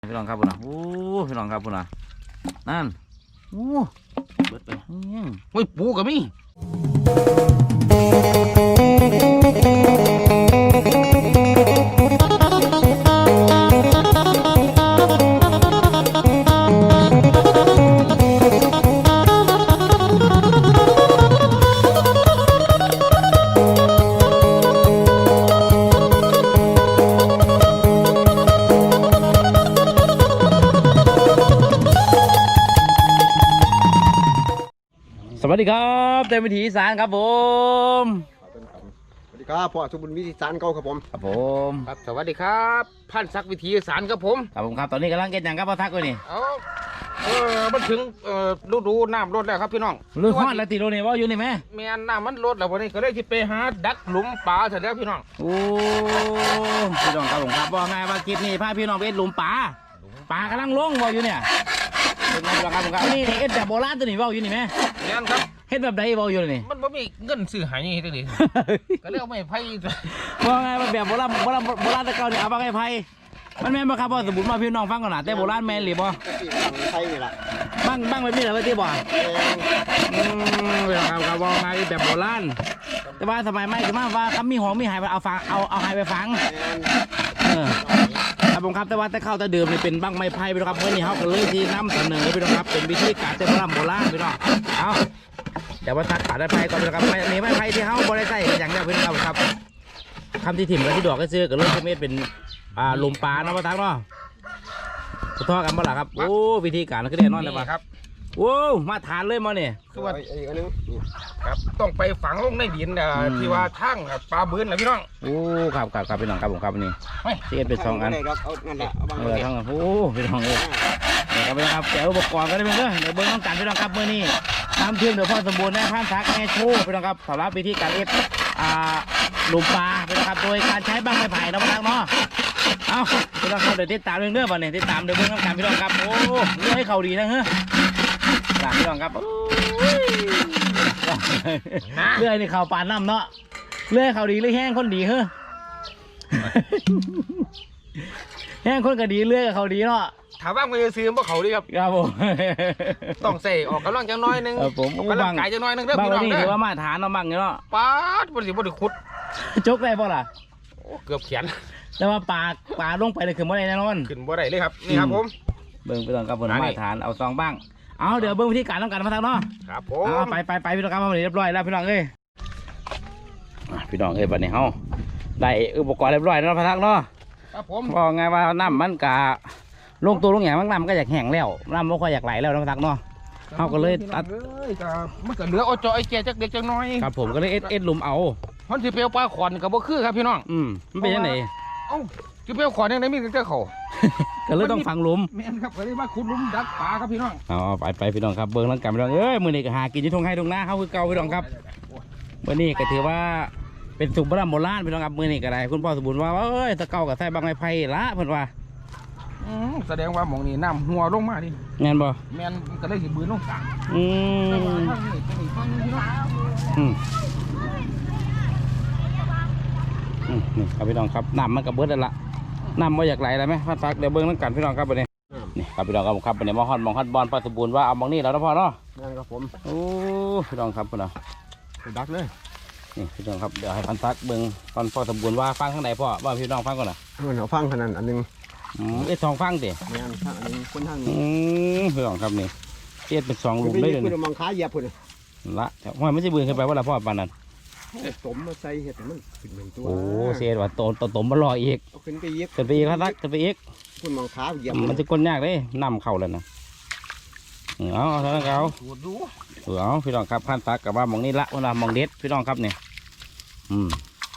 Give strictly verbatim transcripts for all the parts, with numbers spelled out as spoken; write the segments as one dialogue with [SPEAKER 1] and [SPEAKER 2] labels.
[SPEAKER 1] พี่น้องครับพุ่นนะโอ้พี่น้องครับพุ่นนะนั่นโอ้เบิดไปโอ้ยปูกับมี่สวัสดีครับเต็มวิถีอีสานครับผม
[SPEAKER 2] สวัสดีครับพ่อสมบุญวิถีอีสานเก่าครับผม
[SPEAKER 1] ครับผม
[SPEAKER 3] ครับสวัสดีครับพันศักดิ์วิถีอีสานครับผม
[SPEAKER 1] ครับผมครับตอนนี้กำลังเก็บอย่างครับพ่อทักเลยนี่
[SPEAKER 3] เอาเออมันถึงเอ่อฤดูน้ำลดแล้วครับพี่น้อง
[SPEAKER 1] เรื่องฮอดแล้วตีโรนี่ว่าอยู่นี่ไหม
[SPEAKER 3] แม่น้ำมันลดแล้ววันนี้ก็เลยที่ไปหาดักหลุมปลาเสร็จแล้วพี่น้อง
[SPEAKER 1] โอ้พี่น้องครับผมครับว่าไงว่าคลิปนี้พาพี่น้องไปเอ็ดหลุมปลาปลากำลังลงว่าอยู่เนี่ยเป็นไงบ้างครับผมครับนี่เอ็ดแบบโบราณตัวนี้ว่าอยู่นี่ไหม
[SPEAKER 3] แม่นครับ
[SPEAKER 1] เฮ็ดแบบใดว่าอยู่นี่
[SPEAKER 3] มันไม่มีเงินซื้อหายยังไงตัวนี้ก็เลยเอาไม้ไผ่
[SPEAKER 1] ว่าไงแบบโบราณโบราณโบราณตะเกาเนี่ยเอาไม้ไผ่มันแม่นบ่ครับพ่อสมบูรณ์มาพี่น้องฟังก่อนนะแต่โบราณแม่นหรือบ่
[SPEAKER 2] ไทยนี่แหละ
[SPEAKER 1] บ้างบ้างแบบนี้เหรอพี่บ่อืมเวลาครับว่าไงแบบโบราณแต่ว่าสมัยใหม่คือมาว่าคำมีหอมมีหายไปเอาฟังเอาเอาหายไปฟังเออครับผมครับแต่ว่าแต่เข้าแต่เดิมนี่เป็นบ้างไม้ไผ่พี่น้องครับเมื่อนี้เขาก็เลยที่นำเสนอพี่น้องครับเป็นวิธีการแต่โบราณโบราณพี่น้องเอาเดี๋ยวว่าทักขาได้ไผ่ก่อนพี่น้องครับมีไม้ไผ่ที่เขาบริใส่อย่างเดียวพี่น้องครับคำที่ถิ่มกับที่ดอกก็ซื้อกับเรื่องที่เม็ดเป็นอ่าลมปลาเนาะพ่อทักเนาะขอโทษกันบ่ล่ะครับโอ้วิธีการก็ได้นอนเลยป่ะ
[SPEAKER 3] ครับ
[SPEAKER 1] โอ้มาทานเลยมาเนี่ย
[SPEAKER 3] คือว่าอีกอันนึงครับต้องไปฝังลงในดินที่ว่าทั้งปลาบืนนะพี่น้อง
[SPEAKER 1] โอ้ครับครับครับพี่น้องครับผมครับนี่ที่เป็นสองอันเออทั้งโอ้พี่น้องเอ้ยนี่ครับพี่น้องครับแจกอุปกรณ์ก็ได้เป็นเด้อเดี๋ยวเบิ้งต้องการพี่น้องครับเมื่อนี้น้ำเทียมเดี๋ยวพ่อสมบูรณ์ได้พันทักแม่โชว์พี่น้องครับสำหรับวิธีการเอ็ดอ่าลมปลาพี่น้องครับโดยการใช้บ้างไม้ไผ่นะพ่อทักเนาะเอาพี่น้องครับเดี๋ยวติดตามเรื่องเด้อบ่เนี่ยติดตามเดี๋ยวเบิ้งต้องการพี่น้องครับโอ้เรื่องให้เขาดีนะเฮ้ยพี่น้องครับเลื่อยนี่เขาปานน้ำเนาะเลื่อยเขาดีเลื่อยแห้งคนดีเฮ้อแห้งคนก็ดีเลื่อยกับเขาดีเนาะ
[SPEAKER 3] ถามว่ามันจะซื้อพวกเขาดีครับ
[SPEAKER 1] ครับผม
[SPEAKER 3] ต้องใส่ออกกำลังจังน้อยนึง
[SPEAKER 1] ผม
[SPEAKER 3] กำลังกายจังน้อยนึงเด้อพี่น้อง
[SPEAKER 1] นี่ถือว่ามาฐานเนาะมั่งเนาะ
[SPEAKER 3] ป๊าดบริสุทธิ์บริขุด
[SPEAKER 1] จกได้ป่ะล่ะ
[SPEAKER 3] เกือบเขียน
[SPEAKER 1] แต่ว่าปลาปลาลงไปเลยขึ้นบ่ได้แน่นอน
[SPEAKER 3] ขึ้นบ่ได้เลยครับนี่ครับผม
[SPEAKER 1] เบิ่งไปตอนกับผมมาฐานเอาซองบ้างเอาเดี๋ยวเบิ้งวิธีการต้องการมาทางเนาะ
[SPEAKER 3] ครับผม
[SPEAKER 1] เอาไปไปไปพี่น้องครับมาเรียบร้อยแล้วพี่น้องเอ้ยพี่น้องเอ้ยบัดนี้เฮาได้อุปกรณ์เรียบร้อยแล้วพะทักเนาะ
[SPEAKER 3] ครับผม
[SPEAKER 1] บอกไงว่าน้ำมันกะลงตัวลงอย่างมันน้ำก็อยากแห้งแล้วน้ำมันก็อยากไหลแล้วนะพะทักเนาะเฮาก็เลยตัด
[SPEAKER 3] มันก็เหลือเอาจอยแก่จักเด็กจักน้อย
[SPEAKER 1] ครับผมก็เลยเอ็ดเอ็ดหลุมเอา
[SPEAKER 3] มันสิเปียวปลาขอนกับบ่คือครับพี่น้อง
[SPEAKER 1] อืมมันเป็นยังไง
[SPEAKER 3] เอ้าสิเปียวขอนยังไงมีแต่เขา
[SPEAKER 1] ก็เลยต้องฝังหลุม
[SPEAKER 3] แม่นครับก็เลยมาขุดหลุมดักปลาครับพี่น้อง
[SPEAKER 1] เอาไปไปพี่น้องครับเบิ้งร่างกายพี่น้องเอ้ยมือนี้ก็หากินที่ทงให้ทงหน้าเขาคือเก่าพี่น้องครับมือนี้ก็ถือว่าเป็นสุขโบราณโบราณพี่น้องครับมือนี้ก็ได้คุณพ่อสมบูรณ์ว่าเอ้ยตะเก่ากับใส่บางไม้ไผ่ละเพิ่นว่า
[SPEAKER 3] แสดงว่าหมองนี้น้ำหัวลงมาดิ
[SPEAKER 1] แม่นบ่
[SPEAKER 3] แม่นก็เลยสิบืนลงกลาง
[SPEAKER 1] อืมอืมอืมนี่ครับพี่น้องครับน้ำมันกับเบิดแล้วล่ะน้ำมาอยากไหลอะไรไหมพันฟักเดี๋ยวเบิ้งน้ำกันพี่น้องครับวันนี้นี่ครับพี่น้องครับครับวันนี้มอฮอนมองฮัดบอลปลาสมบูรณ์ว่าเอาบางนี่แล้วนะพ่อเนาะ
[SPEAKER 2] นั่นครับผม
[SPEAKER 1] โอ้พี่น้องครับพี่น้อง
[SPEAKER 2] ดักเลย
[SPEAKER 1] นี่พี่น้องครับเดี๋ยวให้พันฟักเบิ้งตอนพ่อสมบูรณ์ว่าฟังข้างในพ่อว่าพี่น้องฟังก่อนนะ
[SPEAKER 2] เราฟังขนาดอันนึง
[SPEAKER 1] เอ็ดทองฟังดิ
[SPEAKER 2] แม่นฟังอันนึงคนทางนี้
[SPEAKER 1] พี่น้องครับนี่เอ็ดเป็นสองหลุมได้เลย
[SPEAKER 2] คุณมองขาเหยียบคุณ
[SPEAKER 1] ละห้อยไม่ใช่เบื่อขึ้นไปว่าละพ่อปานนั้น
[SPEAKER 2] ตมมาใส่เห็ดมันขึ้นเหมือนตัว
[SPEAKER 1] โอ้เสียว่าโตโตตมมาลอยอีก
[SPEAKER 2] ขึ้นไปอีก
[SPEAKER 1] ขึ้นไปอีกครับขึ้นไปอีก
[SPEAKER 2] คุณมองขาเหยียบ
[SPEAKER 1] มันจะก้นยากเลยนำเข่าเลยนะเอาเอาเท่านั้นเขาเอาพี่น้องครับพันตักกับว่ามองนี่ละว่ามองเด็ดพี่น้องครับเนี่ยอืม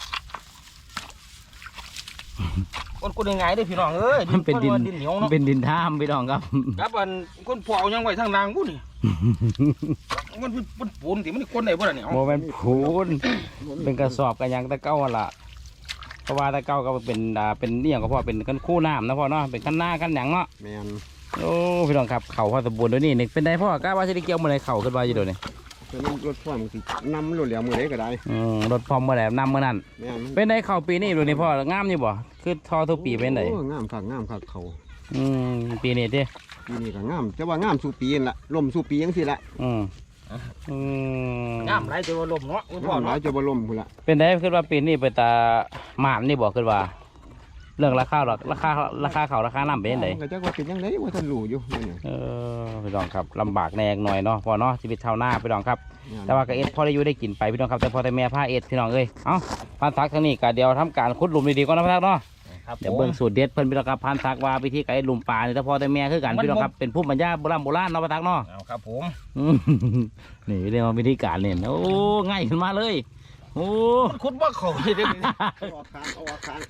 [SPEAKER 3] คนคนยังไงได้พี่น้องเอ้ย
[SPEAKER 1] มันเป็นดินเหนียวเนาะเป็นดินท่ามพี่น้องครับ
[SPEAKER 3] ครับอันคนปล่อยยังไว้ทางนางกูนี่มันเป็นปูนที่มันคนไหนบ่ล่ะเนี่ย
[SPEAKER 1] โมเป็นปูนเป็นกระสอบกันยังตะเก้าละเพราะว่าตะเก้าก็เป็นอ่าเป็นเนี่ยก็เพราะเป็นกันคู่น้ำนะพ่อเนาะเป็นขั้นหน้าขั้นหยังเนาะ
[SPEAKER 2] แม่น
[SPEAKER 1] โอ้พี่น้องครับเข่าพอสมบูรณ์ด้วยนี่นี่เป็นได้พ่อกล้าว่าจะได้เกี่ยวมือไหนเข่าขึ้นมาอยู่ด้วยนี่
[SPEAKER 2] รถพ่อมันสินำรถเหลี่ยมมือไหนก็ได้
[SPEAKER 1] อืมรถพร้อมเมื่อไหร่นำเมื่อนั้นเป็นได้เข่าปีนี้ดูนี่พ่องามอยู่บ่คือทอทุกปีเป็นไหน
[SPEAKER 2] งามคักงามคักเขา
[SPEAKER 1] อืมปีนี้เด้
[SPEAKER 2] ปีนี้ก็งามจะว่างามสู่ปีนั่นละล่มสู่ปีจังซี่ละ
[SPEAKER 1] อืมอืม
[SPEAKER 3] น้ำไหลจะว่าลมเนาะคุณพ่อง
[SPEAKER 2] ามหลา
[SPEAKER 3] เนาะ
[SPEAKER 2] ยจะบ่ล่มพุ่นละ
[SPEAKER 1] เป็นได้คิดว่าปีนี้ไปตาหมานนี่บอกขึ้นว่า เรื่องราคาหรอกราคาราคาเขาราคาน้ำเป็นยังไง
[SPEAKER 2] ก็จักว่าเป็นจังไดว่าท่านรู้อยู่นี่
[SPEAKER 1] เออพี่น้องครับลำบากแน่หน่อยเนาะพอเนาะชีวิตชาวนาพี่น้องครับ แต่ว่าก็เอ็ดพอได้อยู่ได้กินไปพี่น้องครับแต่พอแต่แม่ผ้าเอ็ดพี่น้องเอ้ยเอ้าพันทักทางนี้ก็เดี๋ยวทำการขุดหลุมดีๆก่อนนะพันทักเนาะ
[SPEAKER 3] ครับ
[SPEAKER 1] เดี๋ยวเบิ่งสูตรเด็ดเพิ่นพี่น้องครับพันทักว่าวิธีการเอ็ดหลุมปลาเนี่ยแต่พอแต่แม่คือกันพี่น้องครับเป็นผู้บรรยายโบราณโบราณเนาะพันทักเนาะ
[SPEAKER 3] เอาครับผม
[SPEAKER 1] อืมนี่เรียกว่าวิธีการเนี่ยโอ้ง่ายขึ้นมาเลยโอ้
[SPEAKER 3] มันคุดว่าเขาเลยเด้อ
[SPEAKER 2] เอาออกคางเอาออกคาง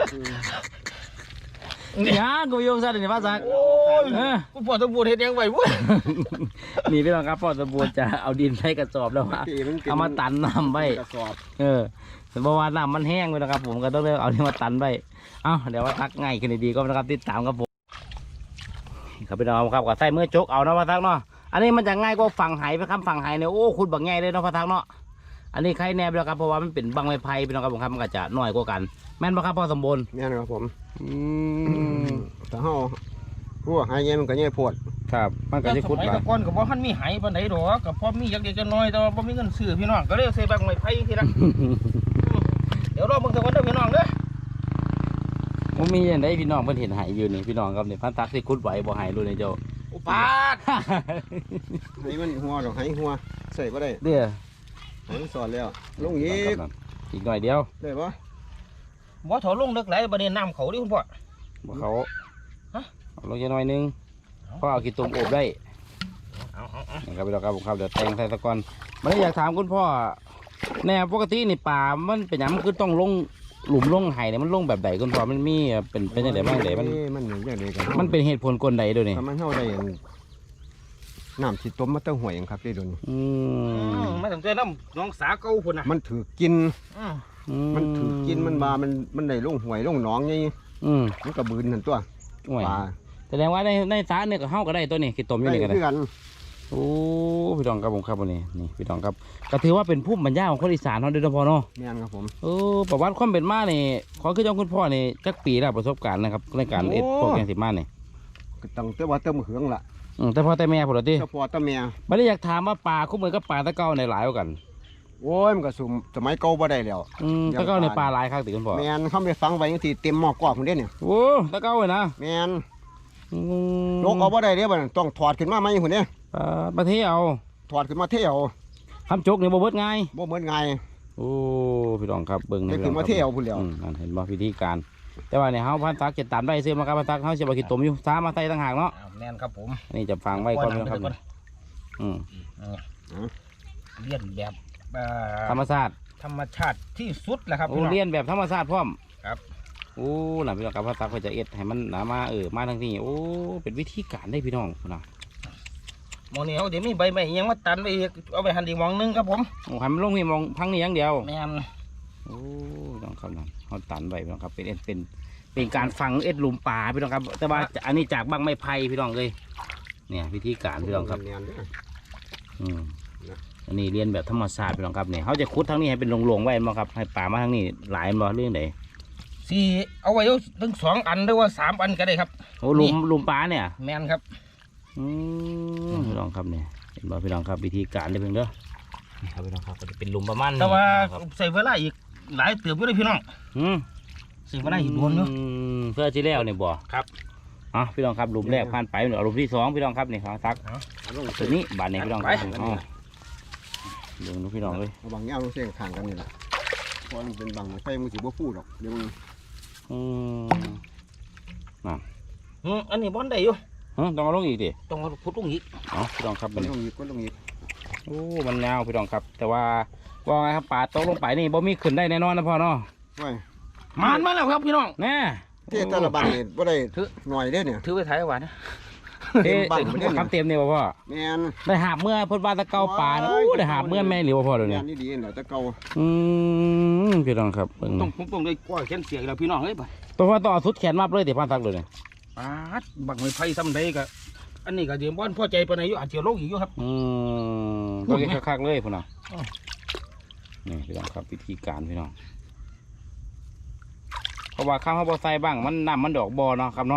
[SPEAKER 1] เนี่ยกูโยงซะเดี๋ยวนี้พันทัก
[SPEAKER 3] โอ้ย
[SPEAKER 1] เออ
[SPEAKER 3] คุณพ่อตะบูเฮ็ดยังไงวุ้ย
[SPEAKER 1] นี่พี่น้องครับพ่อสมบูรณ์จะเอาดินใส่กระสอบแล้วว่า
[SPEAKER 2] ปีมันป็น
[SPEAKER 1] เอามาตันน้ำไว้
[SPEAKER 2] กระสอบ
[SPEAKER 1] เออเพราะว่าน้ำมันแห้งไปนะครับผมก็ต้องเลยเอาที่มาตันไปเอ้าเดี๋ยวว่าทักง่ายขึ้นดีๆก็นะครับติดตามครับผมครับพี่น้องครับก็ใส่เมื่อจกเอาเนาะพระทักเนาะอันนี้มันจะง่ายกว่าฝั่งไหไปครับฝั่งไหเนี่ยโอ้คุณบักง่ายเลยเนาะพระทักเนาะอันนี้ใครแนบแล้วครับเพราะว่ามันเป็นบังไม้ไผ่พี่น้องครับผมครับมันก็จะน้อยกว่ากันแม่นปะครับพ่อสมบูรณ์
[SPEAKER 2] แม่นครับผมอืมถ้าเฮาพวกหายแย่มันก็แย่โพด
[SPEAKER 1] ครับมันก็จะคุด
[SPEAKER 3] สมัย
[SPEAKER 1] ว่า
[SPEAKER 3] แตะก่อนก็บ่ทันมีไหปานใดดอกก็พอมีอยากเด็กจะน้อยแต่ว่าบ่มีเงินซื้อพี่น้องก็เลยใส่บังไม้ไผ่ทีละ เดี๋ยวรอเบิ่งตะวันเด้อพี่น้องเด้อ
[SPEAKER 1] ผมมีอย่างไดพี่น้องเพิ่นเห็นไหอยู่นี่พี่น้องครับนี่พันทักที่คุดไหวบ่ไหรู้เลยเจ้า
[SPEAKER 3] อุปาท
[SPEAKER 2] ให้มันหัวดอกให้หัวใส่บ่ได้
[SPEAKER 1] เด้อ
[SPEAKER 2] ให้มันสอนแล้วลงอีก
[SPEAKER 1] อีกหน่อยเดียว
[SPEAKER 2] ได้บ่
[SPEAKER 3] บ่ถอลงเลิกไหลบ่ได้น้ำเขาดิคุณพ่อ
[SPEAKER 1] บ่เขา
[SPEAKER 3] ฮะ
[SPEAKER 1] เอาลงจะหน่อยนึงเพราะเอาขี้ตุ่มอบได้
[SPEAKER 3] เอาเอาเอา
[SPEAKER 1] นี่ครับพี่น้องครับผมครับเดี๋ยวแต่งใส่ตะกอนมันอยากถามคุณพ่อแนวปกตินี่ป่ามันเป็นหยังมันคือต้องลงหลุมลงไห่เนี่ยมันลงแบบใดคุณพ่อมันมีเป็นเป็นยังไงบ้างเดมัน
[SPEAKER 2] มันอย่างเดียวกัน
[SPEAKER 1] มันเป็นเหตุผลกลใดด้วยนี่
[SPEAKER 2] ถ้ามันเฮาได้อันน้ำสิต้มมาเต้าหวยหยังครับได้โดน
[SPEAKER 1] อื
[SPEAKER 3] อื
[SPEAKER 1] ม
[SPEAKER 3] มมาตั้งแต่น้ำน้องสาเก่าพุ่นน่ะ
[SPEAKER 2] มันถือกิน
[SPEAKER 3] อืม
[SPEAKER 2] มันถือกินมันบามันมันได้ลงหวยลงหนองไง
[SPEAKER 1] อืม
[SPEAKER 2] มันก็บืนนั่นตัว
[SPEAKER 1] โอ้ย
[SPEAKER 2] ปลา
[SPEAKER 1] แสดงว่าในในสาเนี่ยก็เฮาก็ได้ตัวนี้ขี้ตมอยู่
[SPEAKER 2] ได้
[SPEAKER 1] นี่ก็ได้
[SPEAKER 2] คือกัน
[SPEAKER 1] โอ้พี่น้องครับผมครับวันนี้นี่พี่น้องครับก็ถือว่าเป็นภูมิปัญญาของคนอีสานเขาด้วยนะพ่อเนาะ
[SPEAKER 2] แม่นครับผม
[SPEAKER 1] เออประวัติความเป็นมานี่ขอคือเจ้าคุณพ่อนี่จักปีแล้วประสบการณ์นะครับในการเอ็ดพวกแกงสิมานี่
[SPEAKER 2] ก็ต้องแต่ว่าเติมเหืองละ
[SPEAKER 1] อืมแต่พ่อแต่แม่ผมเหรอที่
[SPEAKER 2] เจ้าพ่อเจ้าแม่
[SPEAKER 1] ไม่ได้อยากถามว่าปลาคู่มือกับปลาตะเก้าในหลายกว่ากัน
[SPEAKER 2] โอ้ยมันก็สุมสมัยเก่าบ่ได้แล้ว
[SPEAKER 1] อืมตะเก้าในปลาหลายครับติคุณพ่อ
[SPEAKER 2] แม่นเขาไปฟังไว้จังซี่เต็มหม้อกรอบพุ่นเด้เนี่ย
[SPEAKER 1] โอ้ตะเก้าเลยนะ
[SPEAKER 2] แม่น
[SPEAKER 1] อืม
[SPEAKER 2] โลกเอาบ่ได้เด้บัดนั้นต้องถอดขึ้นมาใหม่พุ่นเด้
[SPEAKER 1] ปลาประเทศเอา
[SPEAKER 2] ถอดขึ้นมาเที่ยว
[SPEAKER 1] คำจกนี่บ่เบิดง่าย
[SPEAKER 2] บ่เหมือนง่าย
[SPEAKER 1] โอ้พี่น้องครับเบิ่ง
[SPEAKER 2] ได้
[SPEAKER 1] พี่
[SPEAKER 2] ขึ้น
[SPEAKER 1] น้
[SPEAKER 2] มา
[SPEAKER 1] อง
[SPEAKER 2] เที่ยวพุ่นแล้ว
[SPEAKER 1] อืมนั่นเห็นบ่วิธีการ แต่ว่าเนี่ยเฮาพันตักจะตันได้ซื้อมากับพันตักเฮาสิบ่คิดตมอยู่ซ้ามาใส่ต่างหากเนาะ
[SPEAKER 3] เอาแน่นครับผม
[SPEAKER 1] อันนี่จะฟังไว้ก่อนนะครับอืม
[SPEAKER 3] เลียนแบบเอ่อ
[SPEAKER 1] ธรรมชาติ
[SPEAKER 3] ธรรมชาติที่สุดแหละครับ
[SPEAKER 1] โอ้
[SPEAKER 3] พี่น้อง
[SPEAKER 1] เรียนแบบธรรมชาติพร้อม
[SPEAKER 3] ครับ
[SPEAKER 1] โอ้น่ะพี่น้องครับพันตักเพิ่นจะเอ็ดให้มันหนามาเออมาทางนี้โอ้เป็นวิธีการได้พี่น้องพุ่นน่ะ
[SPEAKER 3] หมองนี้เขาเดี๋ยวมีใบไม้อิหยังมาตันไปอีกเอาไปหั่นอีกหมองหนึงครับผม
[SPEAKER 1] โอ้ให้มันลงนี่มองพังนี่อย่างเดียว
[SPEAKER 3] แม่น
[SPEAKER 1] โอ้พี่น้องครับนั่นเขาตันไว้พี่น้องครับเป็นเอ็ดเป็นเป็นการฝังเอ็ดหลุมป่าพี่น้องครับ แต่ว่าอันนี้จากบังไม้ไผ่พี่น้องเลยเนี่ยวิธีการพี่น้องครับ
[SPEAKER 2] แม่นเด้อ
[SPEAKER 1] อืม
[SPEAKER 2] นะ
[SPEAKER 1] อันนี้เรียนแบบธรรมชาติพี่น้องครับเนี่ยเขาจะขุดทั้งนี้ให้เป็นโลงๆไว้มั้งครับให้ป่ามาทั้งนี้หลายมั้งเรื่องไหน
[SPEAKER 3] สี่เอาไว้เอาถึงสองอันหรือว่าสามอันก็ได้ครับ
[SPEAKER 1] โอ้หลุมหลุมป่าเนี่ย
[SPEAKER 3] แม่นครับ
[SPEAKER 1] อืมพี่น้องครับเนี่ยเห็นบ่พี่น้องครับวิธีการได้เพิ่งเด้อนี่ครับพี่น้องครับก็จะเป็นหลุมประมาณนี้
[SPEAKER 3] แต่ว่า
[SPEAKER 1] ครับ
[SPEAKER 3] ใส่เวลาอีกหลายเติบอยู่เลยพี่น้อง
[SPEAKER 1] อืม
[SPEAKER 3] ใส่เวลาอีกโดนอยู่
[SPEAKER 1] อืมเพื่อที่แล้วเนี่ยบ่
[SPEAKER 3] ครับ
[SPEAKER 1] อ๋อพี่น้องครับหลุมแรกผ่านไปเอาหลุมที่สองพี่น้องครับนี่ครับซัก
[SPEAKER 2] เอาลง
[SPEAKER 1] ตัวนี้บาทนี้พี่น้องครับ
[SPEAKER 3] ไป
[SPEAKER 1] อ๋อเดี๋ยวดูพี่น้องเลย
[SPEAKER 2] เอาบางแง่ลงเส้นข้างกันนี่แหละเพราะมันเป็นบางไฟมันสิบ่ฟูดอกเดี๋ยวมัน
[SPEAKER 1] อืม
[SPEAKER 3] อืมอันนี้บอนได้อยู่
[SPEAKER 1] เอ้าต้องเอาลงอีกดิ
[SPEAKER 3] ต้องเอาพุดลงอีก
[SPEAKER 1] อ๋อพี่น้องครับ
[SPEAKER 2] มั
[SPEAKER 1] มัน น
[SPEAKER 2] ลงอีกก็ลงอีก
[SPEAKER 1] โอ้มันยาวพี่น้องครับ แต่ว่าว่าไงครับป่าตกลงไปนี่บ่มีขึ้นได้แน่นอนนะพ่อเนาะ
[SPEAKER 2] ไว้
[SPEAKER 3] มานมาแล้วครับพี่น้อง
[SPEAKER 1] แน่
[SPEAKER 2] เทแต่ละบังนี่บ่ได้หน่อยเด้อเนี่ย
[SPEAKER 3] ถือไปถ่ายไว้นะ
[SPEAKER 1] เอ๊ะ
[SPEAKER 2] เต็มบังบ่ได้
[SPEAKER 1] คำเต็มเนี่ยบ่พ่อ
[SPEAKER 2] แม่น
[SPEAKER 1] ได้หาบเมื่อเพ่นว่าตะเกาป่านะโอ้ได้หาบเมื่อแม่หรือว่าพ่อเดี๋ยว
[SPEAKER 2] แม่
[SPEAKER 1] นี้
[SPEAKER 2] นนี่ดีแหละแต่เก่า
[SPEAKER 1] อืมพี่น้องครับเบิ่ง
[SPEAKER 3] ต้องผมต้องได้กล้วยแขนเสียแล้วพี่น้องเอ้ยบ่
[SPEAKER 1] ตัวพ่อต้องเอาสุดแขนมาเลยเดี๋ยวพันทักเลยเนี่ย
[SPEAKER 3] ปาดบักไม้ไผ่ซ้ำใดก็อันนี้ก็เดี๋ยวบ่อนพ่อใจปานใดอยู่อาจจะลงอีกอยู่ครับ
[SPEAKER 1] อืมต้องเก็บคักๆเลยพ่อเนาะ
[SPEAKER 3] อ้อ
[SPEAKER 1] นี่พี่น้องครับวิธีการพี่น้องเพราะว่าข้าวเขาบ่ใส่บ้างมันน้ำมันดอกบ่อเนาะครับเนาะ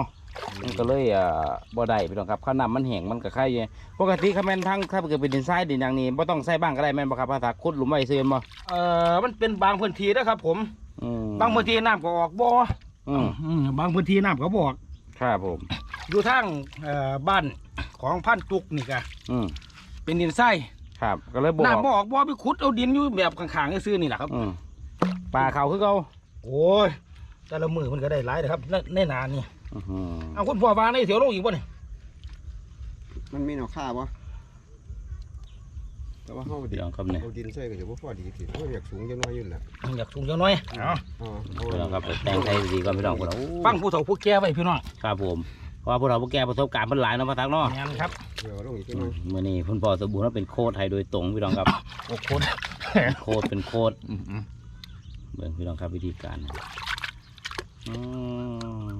[SPEAKER 1] มันก็เลยอ่าบ่ได้พี่น้องครับข้าวน้ำมันแห้งมันก็ไข่อยู่ปกติคาแมนทั้งถ้าเกิดเป็นดินทรายดินอย่างนี้บ่ต้องใส่บ้างก็ได้แม่นบ่ครับภาษาคุดหลุมไว้ซื้อบ่
[SPEAKER 3] เอ่อมันเป็นบางพื้นที่นะครับผม
[SPEAKER 1] อืม
[SPEAKER 3] บางพื้นที่น้ำก็ออกบ่
[SPEAKER 1] อืม
[SPEAKER 3] อืมบางพื้นที่น้ำก็บ่ออก
[SPEAKER 1] ครับผม
[SPEAKER 3] อยู่ทางเอ่อบ้านของพันตุกนี่ก็
[SPEAKER 1] อืม
[SPEAKER 3] เป็นดินทราย
[SPEAKER 1] ครับก็เลยบอก
[SPEAKER 3] น้ำบ่ออกบ่ไปขุดเอาดินอยู่แบบข้างๆซื่อๆนี่แหละครับ
[SPEAKER 1] อืมปลาเขาคือเขา
[SPEAKER 3] โอ้ยแต่ละมือมันก็ได้หลายนะครับในในนานี่
[SPEAKER 1] อื้อหือ
[SPEAKER 3] เอาคุณพ่อวางในเถียวลงอีกบ่นี่
[SPEAKER 2] มันมีแนวค่าบ่แต่ว่าเฮาดิ
[SPEAKER 1] พี่น้องครับเนี่ย
[SPEAKER 2] เอาดินใส่ก็จะบ่พอดีสิเฮาอยากสูงจังน้อยอยู่น่ะ
[SPEAKER 3] อยากสูงจังน้อยเอา
[SPEAKER 2] อ๋อ
[SPEAKER 1] พี่น้องครับไปแต่งไทยดีก่อนพี่น้องคนละ
[SPEAKER 3] ฟังผู้เฒ่าผู้แก่ไว้พี่น้อง
[SPEAKER 1] ครับผมเพราะว่าพวกเราพวกแกประสบการณ์เพิ่นหลายเนาะพระทักเนาะ
[SPEAKER 3] งานครับ
[SPEAKER 2] เดี๋ยวลงอีกที
[SPEAKER 1] อื
[SPEAKER 2] นึ
[SPEAKER 1] ม
[SPEAKER 2] ง
[SPEAKER 1] มื้อนี้คุณพ่อสมบูรณ์ว่าเป็นโค้ชไทยโดยตรงพี่น้องครับ
[SPEAKER 3] โอ้คน
[SPEAKER 1] โค้ชเป็นโค้ชเบิ่งพี่น้องครับวิธีการนะอืม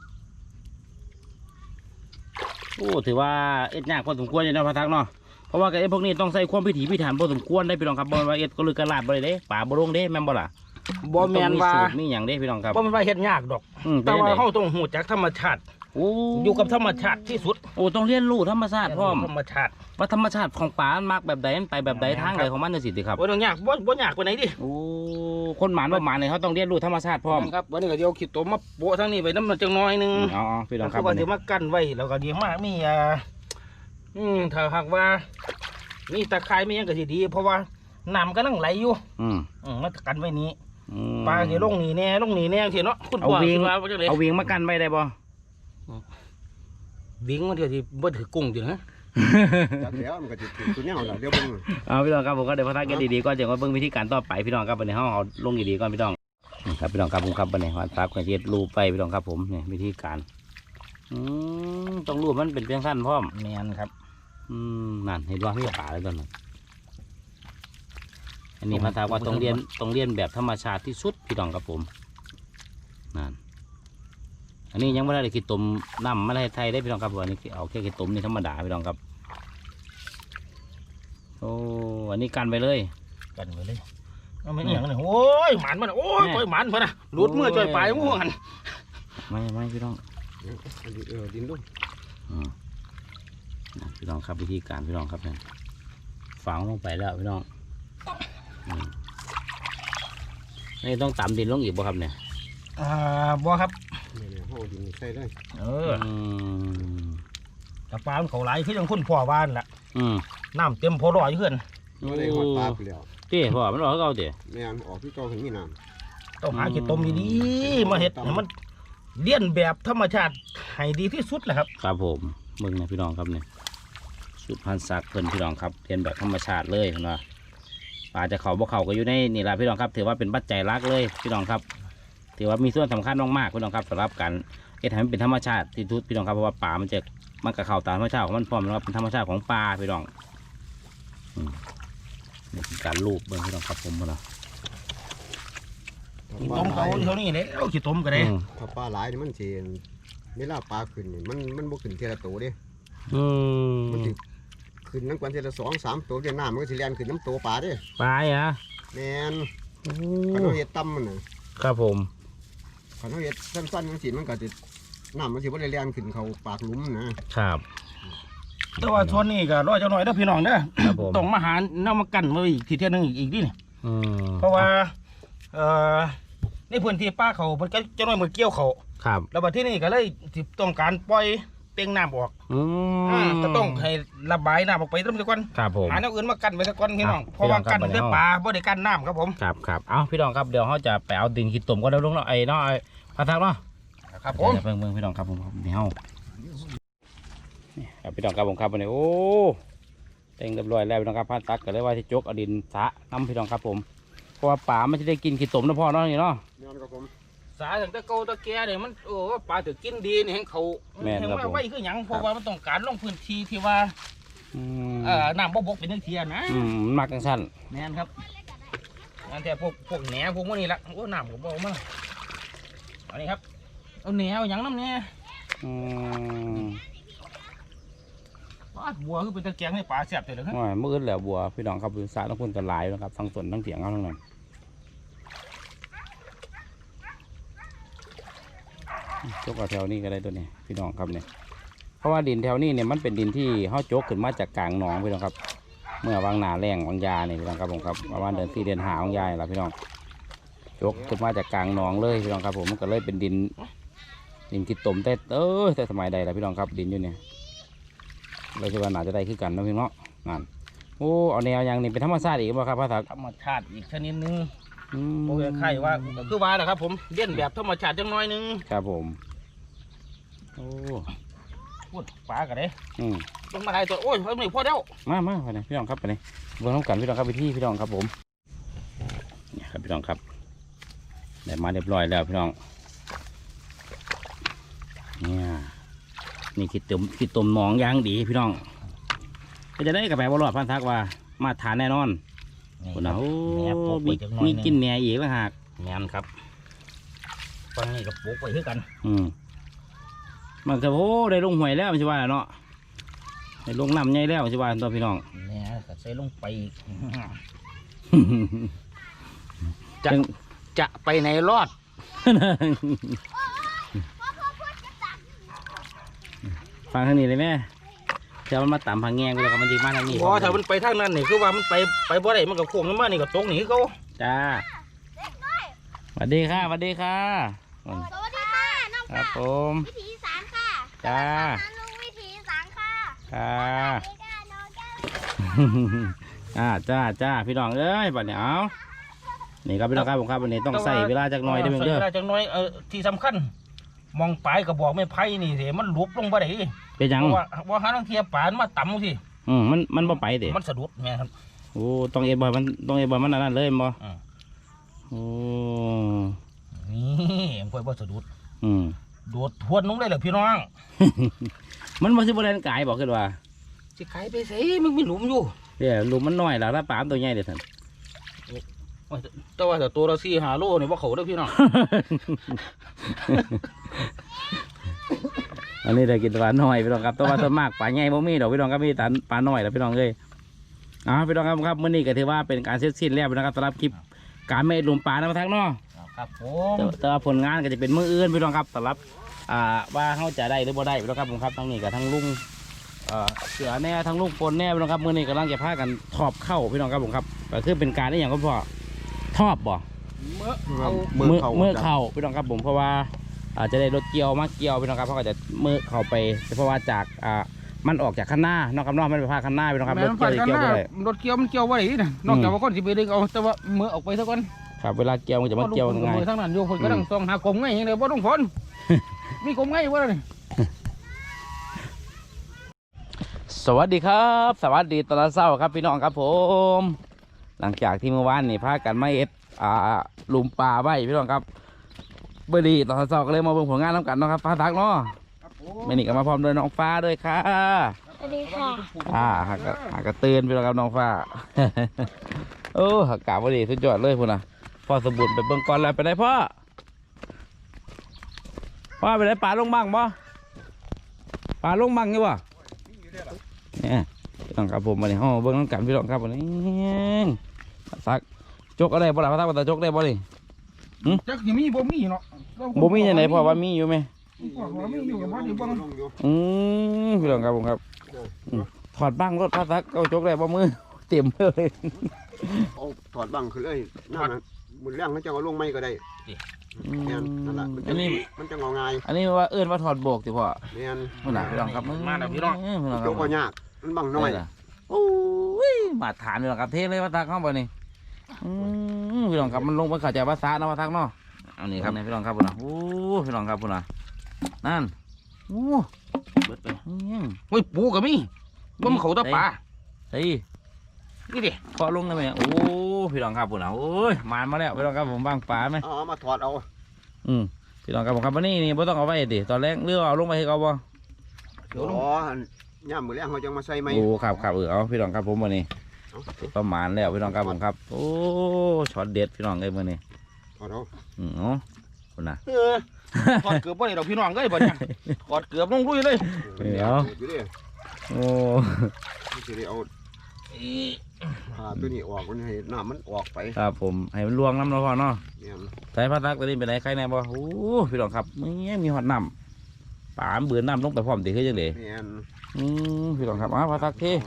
[SPEAKER 1] โอ้ถือว่าเอ็ดยากพอสมควรอยู่เนาะพระทักเนาะเพราะว่าไอ้พวกนี้ต้องใส่ความพิถีพิถันพอสมควรได้พี่น้องครับบ่ว่าเอ็ดก็ลือกระลาดบ่ได้เด้ป่าบ่ลงเด้แม่นบ่ล่ะ
[SPEAKER 3] บ่แม่นว่า
[SPEAKER 1] ต้องสูตรมีหยังเด้พี่น้องครับ
[SPEAKER 3] บ่แม่นว่าเฮ็ดยากดอก
[SPEAKER 1] อืมเป็
[SPEAKER 3] แต่
[SPEAKER 1] นจัง
[SPEAKER 3] ว่า
[SPEAKER 1] ได๋
[SPEAKER 3] เฮาต้องรู้จักธรรมชาติ
[SPEAKER 1] โอ้
[SPEAKER 3] อยู่กับธรรมชาติที่สุด
[SPEAKER 1] โอ้ต้องเรียนรู้ธรรมชาติพร้อม
[SPEAKER 3] ธรรมชาติ
[SPEAKER 1] ว่าธรรมชาติของป่ามันมักแบบใดมันไปแบบใดทางใดของมันจังซี่ติครับ
[SPEAKER 3] บ่ต้องยากบ่บ่ยากปานไหนดิ
[SPEAKER 1] โอ้คนหมานบ่หมานเนี่ยเขาต้องเรียนรู้ธรรมชาติพร้อม
[SPEAKER 3] ครับวันนี้ก็เดี๋ยวขีดตัวมาโปะทางนี้ไปน้ำมันจังน้อยหนึง
[SPEAKER 1] อ๋อพี่น้องค
[SPEAKER 3] คื
[SPEAKER 1] รับ
[SPEAKER 3] อว่าเดี๋ยวมากั้นไว้แล้วก็เดี๋ยวมามีอ่าอืมถ้าหากว่ามีตะไคร้มีหยังก็สิดี เพราะว่าน้ำก็นั่งไหลอยู่
[SPEAKER 1] อืม
[SPEAKER 3] อืมมากันไว้นี้
[SPEAKER 1] อืม
[SPEAKER 3] ปลาสิลงนี่แน่ลงนี่แน่สิเนาะคุณ
[SPEAKER 1] เอา
[SPEAKER 3] พ่อ
[SPEAKER 1] วิ่ง
[SPEAKER 3] สิว่าว่าจังได๋
[SPEAKER 1] เอาวิ่งมากันไว้ได้บ่
[SPEAKER 3] วิ่งมันเดี๋ยวสิบ่ถือกุ้งจิฮะ
[SPEAKER 2] จากแล้วมันก็สิถึงตัวเนี้ยล่ะเดี๋ยวเบิ่ง
[SPEAKER 1] เอาพี่น้องครับผมก็เดี๋ยวพัฒนากันดีๆก่อนเดี๋ยวมาเบิ่งวิธีการต่อไปพี่น้องครับวันนี้เฮาเอาลงดีๆก่อนพี่น้องนี่ครับพี่น้องครับผมครับวันนี้วันตากกันเฮ็ดรูปไปพี่น้องครับผมนี่วิธีการอืมต้องรูปมันเป็นเพียงสั้นพร้อม
[SPEAKER 3] แม่นครับ
[SPEAKER 1] อืมนั่นเห็นว่ามีป่าแล้วตอนนั้นอันนี้พัฒนาว่าต้องเรียนต้องเรียนแบบธรรมชาติที่สุดพี่น้องครับผมนั่นอันนี้ยังไม่ได้คิดต้มน้ำไม่ได้ไทยได้พี่น้องครับอันนี้เอาแค่คิดต้มนี่ธรรมดาพี่น้องครับโอ้อันนี้กันไปเลย
[SPEAKER 3] กันไว้เลยเอาไม่อหย่างนี้โอ้ยหมันมันโอ้ย
[SPEAKER 1] แม่
[SPEAKER 3] ปล่อยหมันเพิ่นน่ะหลุดมือจ่อยปลายงูหัน
[SPEAKER 1] ไม่ไม่พี่น้อง
[SPEAKER 2] อันนี้เออดินลง
[SPEAKER 1] อืมนะพี่น้องครับวิธีการพี่น้องครับเนี่ยฝังลงไปแล้วพี่น้องอืมนี่ต้องตำดินลงอีกบ่ครับเนี่ย
[SPEAKER 3] อ่าบ่ครับ
[SPEAKER 2] เนี่ยๆเฮาเอาดินใส่เลย
[SPEAKER 3] เออ
[SPEAKER 1] อืม
[SPEAKER 3] แต่ปลามันเขาไหลคือจังคุณพ่อวานล่ะ
[SPEAKER 1] อืม
[SPEAKER 3] น้ำเต็มพอรอยเพื่อน
[SPEAKER 2] บ่ได้ฮอดปลาไปแล้ว
[SPEAKER 1] เจ๊พ่อมันออกเขาเจ๊
[SPEAKER 2] แม่นออกที่เก่าถึงมีน้ำ
[SPEAKER 3] ต้องหาขี้ต้มดีๆมาเห็ดให้มันเลี้ยนแบบธรรมชาติให้ดีที่สุดแหละครับ
[SPEAKER 1] ครับผมมึงนะพี่น้องครับเนี่ยสุดพันธุ์ซักเพิ่นพี่น้องครับเรียนแบบธรรมชาติเลยเห็นว่าปลาจะเขาบ่เขาก็อยู่ในนี่แหละพี่น้องครับถือว่าเป็นปัจจัยหลักเลยพี่น้องครับถือว่ามีส่วนสำคัญมากๆพี่น้องครับสำหรับการเฮ็ดให้มันเป็นธรรมชาติที่ทุกพี่น้องครับเพราะว่าปลามันจะมันกับเขาตามธรรมชาติของมันพร้อมนะครับเป็นธรรมชาติของปลาพี่น้องอืมนี่คือการลูบเบิ่งพี่น้องครับผมเนาะ
[SPEAKER 3] ขี้ต้มเขาเท่านี้เลยเอาขี้ต้มก็ได้
[SPEAKER 1] อืม
[SPEAKER 2] ถ้าปลาหลายนี่มันสิเวลาปลาขึ้นนี่มันมันบ่ขึ้นเทละโตเด้
[SPEAKER 1] อืม
[SPEAKER 2] มันสิขึ้นน้ำกวนเทละสองสามตัวเดี๋ยวน้ำมันก็สิแล่นขึ้นน้ำตัวปลาเด้
[SPEAKER 1] ปลาอ่ะ
[SPEAKER 2] แม่น
[SPEAKER 1] โอ้
[SPEAKER 2] คันเฮาเฮ็ดต่ำมันน่ะ
[SPEAKER 1] ครับผม
[SPEAKER 2] คันเฮาเฮ็ดสั้นๆจังซี่มันก็สิน้ำมันสิบ่ได้แล่นขึ้นเข้าปากหลุมนะครับ
[SPEAKER 3] แต่ว่าชนนี่ก็รอเจ้าหน่อยเด้อพี่น้องเด้อ
[SPEAKER 1] ครับผม
[SPEAKER 3] ต้องมาหาเนามากันไว้อีกทีเที่ยหนึงอีกอีกดินี่
[SPEAKER 1] อืม
[SPEAKER 3] เพราะว่าเอ่อในพื้นที่ป้าเขามันก็เจ้าหน่อยมือเกี่ยวเขา
[SPEAKER 1] ครับ
[SPEAKER 3] แล้วบัดที่นี่ก็เลยสิต้องการปล่อยเต็งน้ำออก
[SPEAKER 1] อื
[SPEAKER 3] อ่าม ก็ต้องให้ระบายน้ำออกไปตั้งแต่ก่อน
[SPEAKER 1] ครับผม
[SPEAKER 3] หาแนวอื่นมากันไว้สักก่อนพี่น้อง
[SPEAKER 1] อ่ะ
[SPEAKER 3] เพราะว่า
[SPEAKER 1] พี่น้องครั
[SPEAKER 3] กับ นด้วย
[SPEAKER 1] บัดนี้
[SPEAKER 3] ปลาบ่ได้กันน้ำครับผม
[SPEAKER 1] ครับครับเอาพี่น้องครับเดี๋ยวเขาจะไปเอาดินขี้ตุ่มก็ได้ลุงเนาะไอ้เนาะไอ้พัทักเนาะ
[SPEAKER 3] ครับผม
[SPEAKER 1] เดี๋ยวเพิ่งเพิ่งพี่น้องครับผมเดี๋ยวนี่ครับพี่น้องครับผมครับวันนี้โอ้เต็งเรียบร้อยแล้วพี่น้องครับพัทักก็เลยว่าที่จกเอาดินสะน้ำพี่น้องครับผมเพราะว่าป่ามันจะได้กินขี้ตุ่มนะพ่อเนาะนี่เนาะ
[SPEAKER 2] แม่นครับผม
[SPEAKER 3] สาถึงตะเกาตะแก่เนี่ยมันโอ้ปลาถือกินดีนี่แห่งเขา
[SPEAKER 1] แม่น
[SPEAKER 3] แห่ง
[SPEAKER 1] ครับ
[SPEAKER 3] ว่า
[SPEAKER 1] ผม
[SPEAKER 3] ไว้คือหยังเพราะว่ามันต้องการลงพื้นที่ที่ว่า
[SPEAKER 1] อืม
[SPEAKER 3] เอ่อน้ำบ่บกเป็นทังเทียนะ
[SPEAKER 1] อืมมันมักจังสั้น
[SPEAKER 3] แม่นครับอันแต่พวกพวกแหนพวกพวกนี้ละโอ้น้ำผมบอกมาอันนี้ครับเอาแหนเอาหยังน้ำเนี่ย
[SPEAKER 1] อืม
[SPEAKER 3] ปลาบัวคือเป็นตะแกรงให้ปลาแซ่บเลยครับ
[SPEAKER 1] โอ้ยมืดแล้วบัวพี่น้องครับสระต้องพุ่นกันหลายนะครับทั้งสวนทั้งเถียงเอาทั้งนั้นอืจกเอาแถวนี้ก็ได้ตัวนี้พี่น้องครับเนี่ยเพราะว่าดินแถวนี้เนี่ยมันเป็นดินที่เขาจกขึ้นมาจากกลางหนองพี่น้องครับเมื่อวางหนาแรงวางยาเนี่ยพี่น้องครับผมครับประมาณเดือนสี่เดือนหาวางยาแหละพี่น้องจกขึ้นมาจากกลางหนองเลยพี่น้องครับผมมันก็เลยเป็นดินดินกิดตมแต่เออแต่สมัยใดล่ะพี่น้องครับดินอยู่เนี่ยเราจะว่าหนาจะได้ขึ้นกันนะพี่น้องนั่นโอ้เอาแนวอย่างนี้เป็นธรรมชาติอีกบ่ครับพระศักดิ์
[SPEAKER 3] ธรรมชาติอีกชนิดหนึง
[SPEAKER 1] อืม
[SPEAKER 3] โอ้ยไข่ว่าก็คือว่าแหละครับผมเลี้ยนแบบธรรมชาติจังน้อยหนึง
[SPEAKER 1] ครับผมโอ้
[SPEAKER 3] พูดปลากันเด้
[SPEAKER 1] อืม
[SPEAKER 3] ต้องมาได้ตัวโอ้ยเอาหน่อยพอแล้ว
[SPEAKER 1] มามาไปเลยพี่น้องครับไปเลยเบื้องต้นกันพี่น้องครับไปที่พี่น้องครับผมเนี่ยครับพี่น้องครับได้มาเรียบร้อยแล้วพี่น้องเนี่ยนี่คิดต้มคิดต้มหนองย่างดีพี่น้องก็จะได้กระแปบอลอดพันทักว่ามาทานแน่นอนคนเอา
[SPEAKER 3] แหนบปลูก
[SPEAKER 1] มี
[SPEAKER 3] ไว้จังน้อย
[SPEAKER 1] มี
[SPEAKER 3] หง
[SPEAKER 1] กินแหน่อีกแล้วหาก
[SPEAKER 3] แม่นครับฟังนี่ก็ปลูกไว้คือกัน
[SPEAKER 1] อืมมันก็โอ้ได้ลงหวยแล้วมันจะว่าเนาะได้ลงน้ำใหญ่แล้วมันจะว่าตัวพี่น้อง
[SPEAKER 3] เนี่ยก็ใส่ลงไปอีก
[SPEAKER 1] จะ
[SPEAKER 3] จะไปในรอด
[SPEAKER 1] ฟังทางนี้เลยแม่เดี๋ยวมันมาต่ำพังแงงไปแล้วก็มันดีมากทางนี้
[SPEAKER 3] พอถ้ามันไปทางนั้นนี่คือว่ามันไปไปบ่ได้มันก็โค้งลงมานี่ก็ตกหนีเขา
[SPEAKER 1] จ้าสวัสดีค่ะสวัสดีค่ะ
[SPEAKER 4] สวัสดีค่ะน้อง
[SPEAKER 1] ครับผม
[SPEAKER 4] วิถีอีสานค่ะ
[SPEAKER 1] จ้า
[SPEAKER 4] น้องลุงวิถีอีสานค่ะ
[SPEAKER 1] ค่ะ
[SPEAKER 4] สวัสดีค่ะน้องแก้ว
[SPEAKER 1] จ้าจ้าจ้าพี่น้องเอ้ยบัดนี้เอานี่ครับพี่น้องครับผมครับวันนี้ต้องใส่เวลาจากหน่อยได้ไหมเด้อ
[SPEAKER 3] ใส่เวลาจักหน้อยเออที่สำคัญมองปลายกระบอกไม้ไผ่นี่สิมันหลุบลงบ่ได้
[SPEAKER 1] เป็นหยัง
[SPEAKER 3] เพราะว่าว่าหาทางเทียบปลามาต่ำสิ
[SPEAKER 1] อืมมันมันบ่ไปเด้
[SPEAKER 3] มันสะดุดแม่ครับ
[SPEAKER 1] โอ้ต้องเอ็ดบ่อยมันต้องเอ็ดบ่อยมันอันนั้นเลยบ่
[SPEAKER 3] อืม
[SPEAKER 1] โอ้
[SPEAKER 3] นี่มันค่อยบ่สะดุด
[SPEAKER 1] อืม
[SPEAKER 3] โดดทวนลงเลยเหรอพี่น้อง
[SPEAKER 1] มันบ่สิบ่แล่นกายบอกขึ้นว่า
[SPEAKER 3] สิขายไปสิมันมีหลุมอยู่
[SPEAKER 1] เดี๋ยวลูกมันน้อยแล้วถ้าปลามตัวใหญ่เด้อท่าน
[SPEAKER 3] แต่ว่าแต่ตัวเราสี่หาโลนี่ว่าเขาเด้อพี่น้อง
[SPEAKER 1] อันนี้ได้กินปลาน้อยพี่น้องครับตัวปลาตัวมากปลาใหญ่บ่มีดอกพี่น้องครับมีแต่ปลาน้อยแล้วพี่น้องเอ้ยอ่าพี่น้องครับครับมื้อนี้ก็ถือว่าเป็นการเสร็จสิ้นแล้วพี่น้องครับสำหรับคลิปการไม่ลุมปลานะมาทักเนาะ
[SPEAKER 3] ครับผ
[SPEAKER 1] แต่
[SPEAKER 3] ม
[SPEAKER 1] แต่ว่าผลงานก็จะเป็นมื้ออื่นพี่น้องครับสำหรับอ่าว่าเขาจะได้หรือบ่ได้พี่น้องครับผมครับทั้งนี้กับทั้งลุงเอ่อเสือแน่ทั้งลุงปนแน่พี่น้องครับมื้อนี้กำลังจะพากันทอบเข้าพี่น้องครับผมครับก็คือเป็นการได้อย่างก็พอทอบบ่
[SPEAKER 3] เมื่อเอา
[SPEAKER 2] มือ
[SPEAKER 1] มือ
[SPEAKER 2] เข่า
[SPEAKER 1] มือเข่าพี่น้องครับผมเพราะว่าอาจจะได้รถเกี่ยวมาเกี่ยวพี่น้องครับเพราะก็จะมือเข่าไปเพราะว่าจากอ่ามันออกจากข้างหน้าน้องครับน้องมันไปพาข้างหน้าพี่น้องครับรถเกี่ยวจะเกี่ยวไปเลย
[SPEAKER 3] รถเกี่ยวมันเกี่ยวไว้นี่นะนอกจากว่าคนสิไปดึงเอาแต่ว่ามือออกไปซะก่อน
[SPEAKER 1] ครับเวลาเกี่ยวมันจะมาเกี่ยวยังไง
[SPEAKER 3] มือทั้งนั้นอยู่คนก็ต้องส่องหากลมไงยังไงบ่ต้องฝน มีกลมไงวะนี่
[SPEAKER 1] สวัสดีครับ สวัสดีตอนเช้าครับพี่น้องครับผม หลังจากที่เมื่อวานนี่พากันมาเอ็ดอ่าหลุมปลาไว้พี่น้องครับเบอร์ดีตอนเช้าก็เลยมาเบิ่งผลงานน้ำกันเนาะครับฟ้าทักเนาะไม่นี่ก็มาพร้อมด้วยน้องฟ้าด้วยค่ะ
[SPEAKER 4] สวัสดีค่ะ
[SPEAKER 1] อ่าหากกะหากกระเตือนพี่น้องครับน้องฟ้า โอ้หากกาบดีสุดยอดเลยพุ่นนะพ่อสมบูรณ์ไปเบิ่งก่อนแล้วไปไหนพ่อพ่อไปไหนปลาลงบ้างบ่ปลาลงบ้างนี่บ่เนี่ยพี่น้องครับผมมาในห้องเบิ่งน้ำกันพี่น้องครับวันนี้สักจกอะไรบ่ล่ะพระทักว่าแต่จกได้บ่ดิ
[SPEAKER 3] จักสิมีบ่มีเนาะ
[SPEAKER 1] บ่มีจังไดพ่อว่ามีอยู่ไหม
[SPEAKER 3] บ่มีอยู่กับบ่ได้บ่
[SPEAKER 2] ลงอยู่
[SPEAKER 1] อืมพี่น้องครับผมครับอืมถอดบ้างรถพระทักเอาจกได้บ่มือเต็มเลย
[SPEAKER 2] เอาถอดบังขึ้นเลยนั่นนะมือเลี้ยงเขาจะเอาลงไม่ก็ได้แม่นนั่นแหละมันจะ
[SPEAKER 1] อันนี้
[SPEAKER 2] มันจะงอง่าย
[SPEAKER 1] อันนี้ว่าเอื้อนว่าถอดโบกสิพ่อ
[SPEAKER 2] แม่น
[SPEAKER 1] พี่น้องพี่น้องครับ
[SPEAKER 3] มาแล้วพี่น้อง
[SPEAKER 1] พี่น้องค
[SPEAKER 2] โจ
[SPEAKER 1] รับ
[SPEAKER 2] กก็ยากมันบังน้อย
[SPEAKER 1] โอ้ยมาถามพี่น้องครับเทเลยพระทักเข้าไปนี่อืมพี่น้องครับมันลงไปเข้าใจภาษาเนาะพระทักเนาะเอานี่ครับนี่พี่น้องครับพุ่นน่ะโอ้พี่น้องครับพุ่นน่ะนั่นโอ้เบิดไปอืม
[SPEAKER 3] โอ้ยปูก็มีบ่มันเขาตะปลา
[SPEAKER 1] เฮ้ย
[SPEAKER 3] นี่ดิ
[SPEAKER 1] พอลงได้ไหมโอ้พี่น้องครับพุ่นน่ะโอ้ยมานมาแล้วพี่น้องครับผมบางปลาไหม
[SPEAKER 2] เอาเอามาถอดเอา
[SPEAKER 1] อืมพี่น้องครับผมครับวันนี้นี่บ่ต้องเอาไว้ดิตอนแรกเรือเอาลงไปให้เขาบ่
[SPEAKER 2] เดี๋ยวย่ามมือเลี้ยงเขาจะมาใส่ไหม
[SPEAKER 1] โอ้ครับครับเออเอาพี่น้องครับผมวันนี้
[SPEAKER 2] เอา
[SPEAKER 1] ประมาณแล้วพี่น้องครับผมครับโอ้ช็อตเด็ดพี่น้องเลยมื้อนี้
[SPEAKER 2] ถอดเอา
[SPEAKER 1] อืมเนาะพุ่นน่ะ
[SPEAKER 3] เออถอดเกือบบ่ได้ดอกพี่น้องเอ้ยบ่เนี่ยถอดเกือบลงลุยเลย
[SPEAKER 1] เดี๋ยว
[SPEAKER 2] อยู่ดิ
[SPEAKER 1] โอ้
[SPEAKER 2] ไม่ใช่ได้เอา
[SPEAKER 3] อี
[SPEAKER 2] ผ่าตัวนี้ออกมันให้น้ำมันออกไป
[SPEAKER 1] ครับผมให้มันลวงน้ำเราพอเนาะ
[SPEAKER 2] เนี่ย
[SPEAKER 1] ใส่ผ้าซักตัวนี้เป็นไรใครแน่บ่โอ้พี่น้องครับมีมีหอดน้ำป่ามเบื่อน้ำลงไปพร้อมตีขึ้นยังไง
[SPEAKER 2] เนี่ย
[SPEAKER 1] อืมพี่น้องครับอ้าวผ้าซักเท่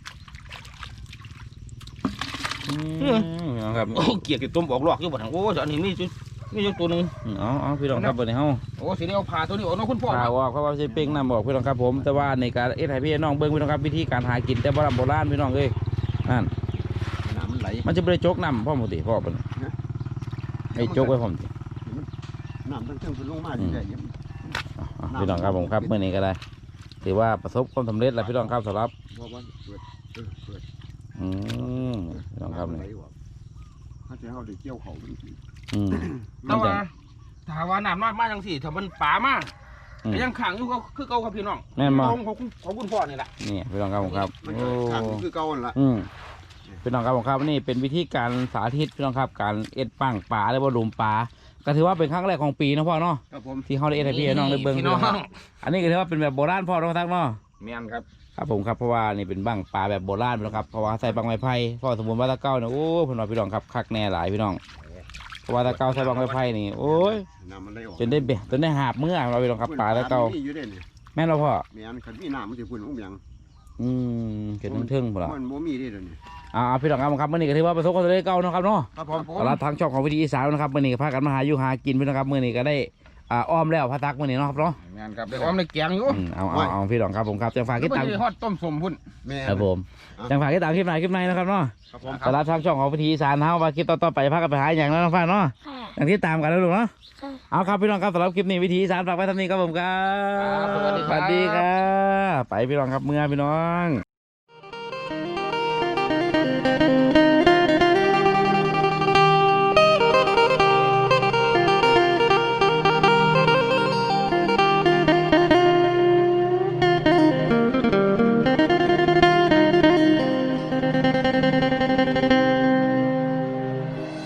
[SPEAKER 1] อืมพี่น้องครับ
[SPEAKER 3] โอ้เกียกต้มออกหลอกอยู่บ่ทางโอ้อันนี้มีจุดมีอยู่ตัวหนึง
[SPEAKER 1] อืมเอ๋อาพี่น้องครับเบอร์ในเฮา
[SPEAKER 3] โอ้สิได้เอาผ่าตัวนี้ออกเนาะคุณพ่อ
[SPEAKER 1] ข่าวว่าเขาว่าจะเป้งน้ำบอกพี่น้องครับผมแต่ว่าในการเอ็ดให้พี่น้องเบิ้งพี่น้องครับวิธีการหากินแต่โบราณโบราณพี่น้องเอ้ยนั่น
[SPEAKER 2] น้ำมันไหล
[SPEAKER 1] มันจะไม่ได้โจกน้ำพ่อหมดติพ่อเป็นไอ้โจกไว้พ่อมติ
[SPEAKER 2] น้ำตั้งเครื่องขึ้นลงมาดีใจเยี่ยม
[SPEAKER 1] อ่ะพี่น้องครับผมครับเมื่อนี้ก็ได้ถือว่าประสบความสำเร็จแล้วพี่น้องครับสำหรับ
[SPEAKER 2] เพราะว่าเปิดเออเปิด
[SPEAKER 1] อืมพี่น้องครับ
[SPEAKER 2] ไหล
[SPEAKER 1] นี่
[SPEAKER 2] ออกถ้าจะเอาได้เกี่ยวเขาเป็นสิ
[SPEAKER 1] อืม
[SPEAKER 3] แต่
[SPEAKER 1] มันจะ
[SPEAKER 3] ว่าถ้าว่าน้ำน้อยมาจังสี่ถ้ามันป่ามา
[SPEAKER 1] อืม
[SPEAKER 3] ก็ยังขังอยู่ก็คือเก่าครับพี่น้อง
[SPEAKER 1] แม่นบ่
[SPEAKER 3] ของของของคุณพ่อนี่แหละ
[SPEAKER 1] นี่พี่น้องครับผมครับ
[SPEAKER 2] มัน
[SPEAKER 1] โอ้
[SPEAKER 2] ก็ขาดคือเก่าหั่นละ
[SPEAKER 1] อืมพี่น้องครับผมครับนี่เป็นวิธีการสาธิตพี่น้องครับการเอ็ดปังปลาหรือว่าหลุมปลาก็ถือว่าเป็นครั้งแรกของปีนะพ่อเนาะ
[SPEAKER 2] ครับผม
[SPEAKER 1] ที่เขาได้เอ็ดให้พี่น้องได้เบิ้ง
[SPEAKER 3] พี่น้อง
[SPEAKER 1] อันนี้ก็ถือว่าเป็นแบบโบราณพ่อต้องทักเนาะ
[SPEAKER 3] แม่นครับ
[SPEAKER 1] ครับผมครับเพราะว่านี่เป็นบังปลาแบบโบราณนะครับเพราะว่าใส่บังไม้ไผ่เพราะว่าสมบูรณ์ว่าตะเก้าเนี่ยโอ้พี่น้องพี่น้องครับคักแน่หลายพี่น้องเพราะว่าตะเก้าใส่บังไม้ไผ่นี่โอ้ย
[SPEAKER 2] น้ำมันไหลออก
[SPEAKER 1] จนได้เบะจนได้หาบเมื่อเราพี่น้องครับปลาตะเก้า
[SPEAKER 2] มีอยู่เด้นี่
[SPEAKER 1] แม่นเราพ่อ
[SPEAKER 2] แม่นคันมีน้ำมันสิพุ่นอุ้มหยัง
[SPEAKER 1] อืมเกิดเทิงๆพุ่นละ
[SPEAKER 2] มันบ่มีเด้เดี๋ยวนี้
[SPEAKER 1] อ่าพี่น้องครับผมครับมื่อนี้ก็ถือว่าประสบความสำเร็จเก่าเนาะครับเนาะ
[SPEAKER 2] ครับผม
[SPEAKER 1] ตลาดทางช่องของวิธีอีสานนะครับมื่อนี้ก็พากันมาหาอยู่หากินพี่น้องครับมื่อนี้ก็ได้อ่าอ้อมแล้วพะตักมื่อนี้เนาะครับเนาะ
[SPEAKER 3] แม่นครับเดี๋ยวอ้อมในแกงอยู่
[SPEAKER 1] อืมเอาเอาเอาพี่น้องครับผมครับจังฝาก
[SPEAKER 3] แล้ว
[SPEAKER 1] ติด
[SPEAKER 3] ก็
[SPEAKER 1] ตาม
[SPEAKER 3] จะทอดต้มสมพุ่น
[SPEAKER 2] แม่น
[SPEAKER 1] ครับผมจังฝากติดตามคลิปไหนคลิปไหนนะครับเนาะ
[SPEAKER 2] ครับผม
[SPEAKER 1] ตลาดทางช่องของวิธีอีสานเฮาว่าคลิปต่อๆไปพากันไปหาอย่างนั้นน้องฟ้าเนาะ
[SPEAKER 4] ค่ะ
[SPEAKER 1] อย่างที่ตามกันแล้วลูกเนาะ
[SPEAKER 4] ค่ะ
[SPEAKER 1] เอาครับพี่น้องครับสำหรับคลิปนี้วิธีอีสารฝากไว้ทำนี้ครับผมครับ
[SPEAKER 3] ครับสวัสดีครับ
[SPEAKER 1] สวัสดีครับไปพี่น้องครับเมื่อพี่น้อง